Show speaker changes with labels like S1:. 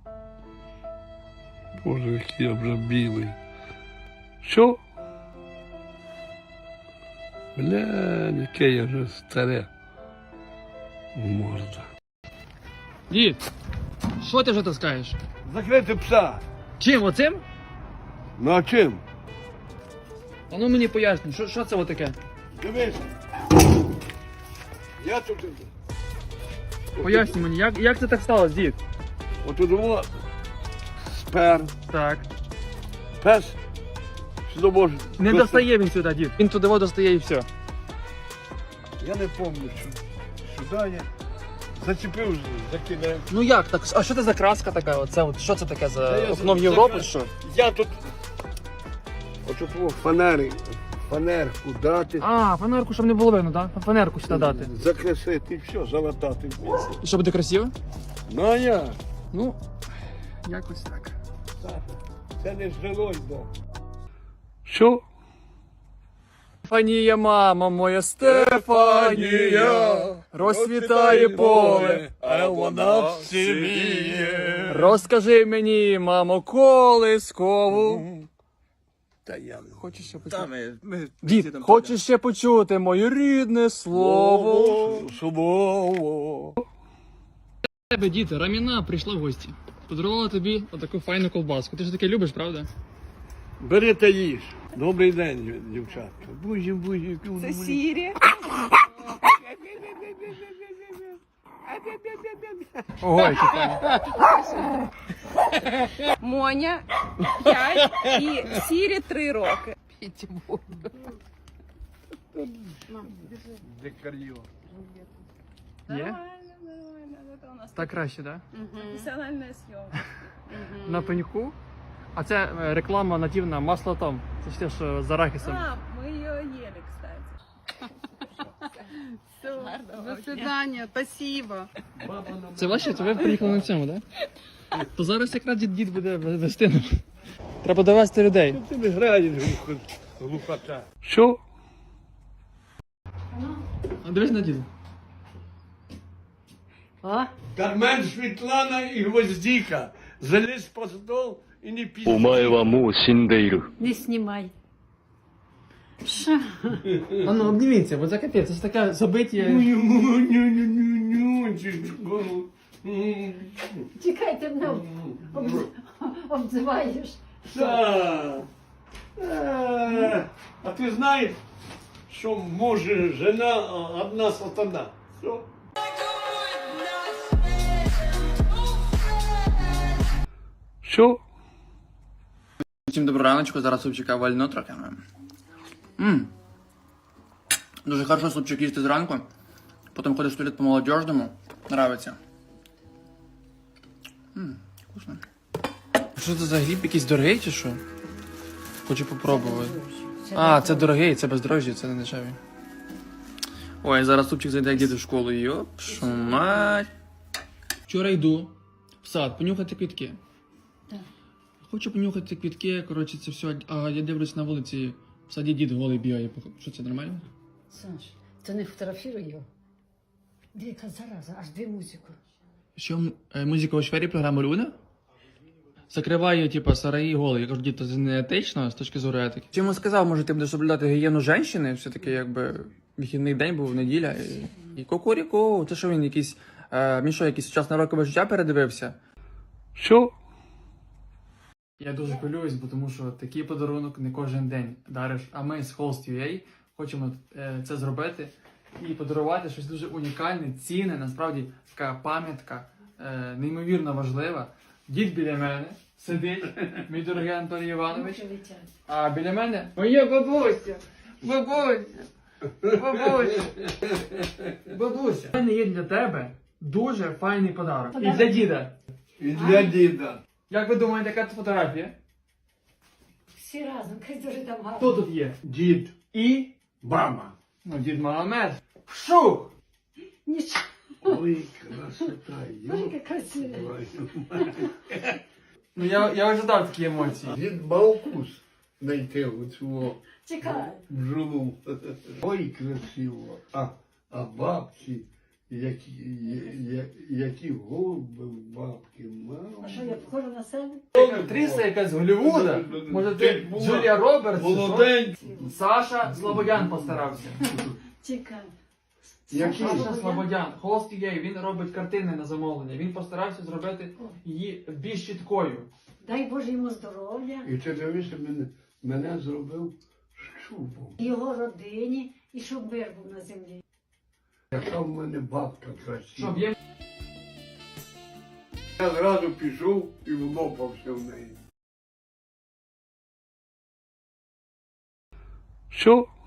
S1: Боже, який я вже білий. Що? Бля, яке я вже старе. Морда.
S2: Дід, що ти вже таскаєш?
S1: Закрити пса.
S2: Чим, оцим?
S1: Ну а чим?
S2: А ну мені поясни, що це отаке?
S1: Дивись. Я тут.
S2: Поясни мені, як це так сталося, дід?
S1: Отут воно спер.
S2: Так.
S1: Пес. Сюди може.
S2: Не достає він сюди, дід. Він туди достає і все.
S1: Я не пам'ятаю, що сюди я зачепив, закидав.
S2: Ну як так? А що це за краска така? Оце от що це таке за
S1: Та я
S2: окно в
S1: за-
S2: Європу?
S1: за-
S2: Що?
S1: Я тут. Отут фанерку дати.
S2: А, фанерку, щоб не було видно, так? Фанерку сюди дати.
S1: Закресити і все, залатати.
S2: І що буде красиво?
S1: Ну а я.
S2: Ну, якось так.
S1: Це не жилось, да. Що?
S2: Стефанія, мама моя, Стефанія, розцвітає поле,
S1: а вона всіміє.
S2: розкажи мені, мамо, колискову.
S1: Та я не
S2: Хочеш ще почути? Дід, хочеш ще почути моє рідне слово?
S1: Слово.
S2: Тебе, дід, Раміна прийшла в гості. Подарувала тобі отаку файну колбаску. Ти ж таке любиш, правда?
S1: Бери та їж. Добрий день, дівчатка. Бузі.
S3: Це Сірі.
S2: Ого, які файні.
S3: Моня 5 і Сірі 3 роки.
S1: Дикар'йо.
S2: Є?
S3: Це у нас
S2: Так краще, так?
S3: професіональна зйомка.
S2: На пеньку. А це реклама нативна масло там. Це ж те, що з арахісом.
S3: А, ми її їли, кстати. Все, до свидания, спасибо.
S2: Це ваші? Це ви приїхали на цьому, так? То зараз якраз дід буде вести нам. Треба довести людей.
S1: Ти не граєш, глухота. Що?
S2: А дивись на діда.
S1: Кармен, Світлана і Гвоздіка. Залізь по стол і не
S4: お
S1: пізніше.
S4: 前はもう死んでいる。
S5: Не знімай.
S2: А ну обніміться, бо це капець, це ж таке забиття.
S5: Чекай, ти мене обзиваєш.
S1: А ти знаєш, що може жена одна сатана? Що? Що?
S2: Всім доброго раночку, зараз супчика вально трохи. Дуже хорошо супчик їсти зранку. Потім ходиш в туалет по молодіжному. Нравиться. Вкусно. Що це за гриб? Якийсь дорогий чи що? Хочу попробувати. А, це дорогий, це бездорожжя, це не дешевий. Ой, зараз супчик зайде як діти в школу. Йоп, шо мать. Вчора йду в сад, понюхати квітки.
S5: Так.
S2: Хочу понюхати квітки, коротше, це все. А я дивлюсь на вулиці, в саді дід голий бігає. Що це, нормально?
S5: Саш, ти не фотографіруй його. Яка зараза, аж дві музику.
S2: Що, музика у сфері програми Люда? Закриває, типа, сараї голий. Я кажу, дід, це не етично з точки зору етики. Чи йому сказав, може, ти будеш соблюдати гігієну жінки? Все-таки, якби, вихідний день був, неділя. І кукуріку, це що він якийсь, він що, якийсь сучасне рокове життя передивився?
S1: Що?
S2: Я дуже хвилююсь, бо тому що такий подарунок не кожен день дариш. А ми з Host.ua хочемо це зробити і подарувати щось дуже унікальне, цінне, насправді така пам'ятка, неймовірно важлива. Дід біля мене сидить, мій дорогий Анатолій Іванович, а біля мене моя бабуся, бабуся, бабуся, бабуся. У мене є для тебе дуже файний подарунок. І для діда.
S1: І для діда.
S2: Як ви думаєте, яка це фотографія?
S5: Всі разом, хай дуже там гарно.
S2: Хто тут є?
S1: Дід.
S2: І?
S1: Мама.
S2: Ну, дід Магомед. Вшух!
S5: Нічого,
S1: Ой, красота.
S5: яка красива.
S2: Ну, я ожидав такі емоції.
S1: Дід мав вкус знайти оцю
S5: Чекай.
S1: бджолу. Ой, красиво. А бабці, які голуби в бабки, мама.
S5: що я похожа на себе?
S2: Актриса якась з Голлівуда. Може ти Джулія Робертс? чи що?
S1: Молодець.
S2: Саша Слободян постарався.
S5: Чекай.
S1: Який?
S2: Саша Слободян, Холст UA, він робить картини на замовлення. Він постарався зробити її більш чіткою.
S5: Дай Боже йому здоров'я,
S1: І ти дивишся, мене зробив щупом.
S5: його родині, і щоб мир був на землі.
S1: Яка в мене бабка красива.
S2: Щоб є
S1: Я зразу пішов і влопався в неї. Все,